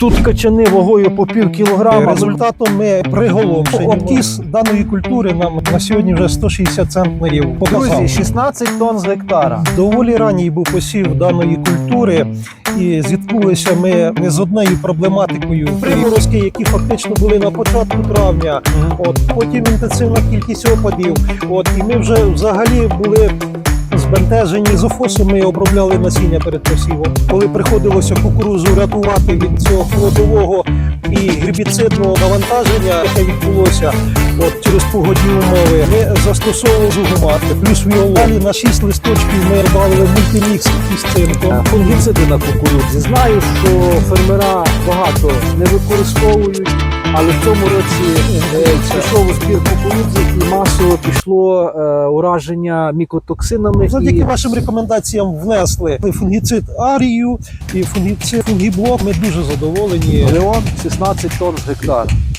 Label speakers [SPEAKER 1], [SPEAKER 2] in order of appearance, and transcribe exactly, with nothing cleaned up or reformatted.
[SPEAKER 1] Тут качани вагою по пів кілограма.
[SPEAKER 2] Результатом ми приголомшені. Обтіс даної культури нам на сьогодні вже сто шістдесят центнерів показав.
[SPEAKER 1] Друзі, шістнадцять тонн з гектара.
[SPEAKER 2] Доволі ранній був посів даної культури, і зіткнулися ми не з однією проблематикою. Приморозки, які фактично були на початку травня, от потім інтенсивна кількість опадів. От і ми вже взагалі були збентежені з офосу. Ми обробляли насіння перед посівом. Коли приходилося кукурудзу рятувати від цього холодового і гербіцидного навантаження, яке відбулося от через погодні умови, ми застосовували зугумат, плюс віолон. Далі на шість листочків ми додали мультимікс із цинком.
[SPEAKER 1] Фунгіциди на кукурудзі. Знаю, що фермера багато не використовують, але в цьому році е, пішов у збір кукурудзи і масово пішло е, ураження мікотоксинами.
[SPEAKER 2] Завдяки
[SPEAKER 1] і...
[SPEAKER 2] вашим рекомендаціям внесли фунгіцид Арію і фунгіцид Фунгіблок. Ми дуже задоволені.
[SPEAKER 1] Леон шістнадцять тонн з гектара.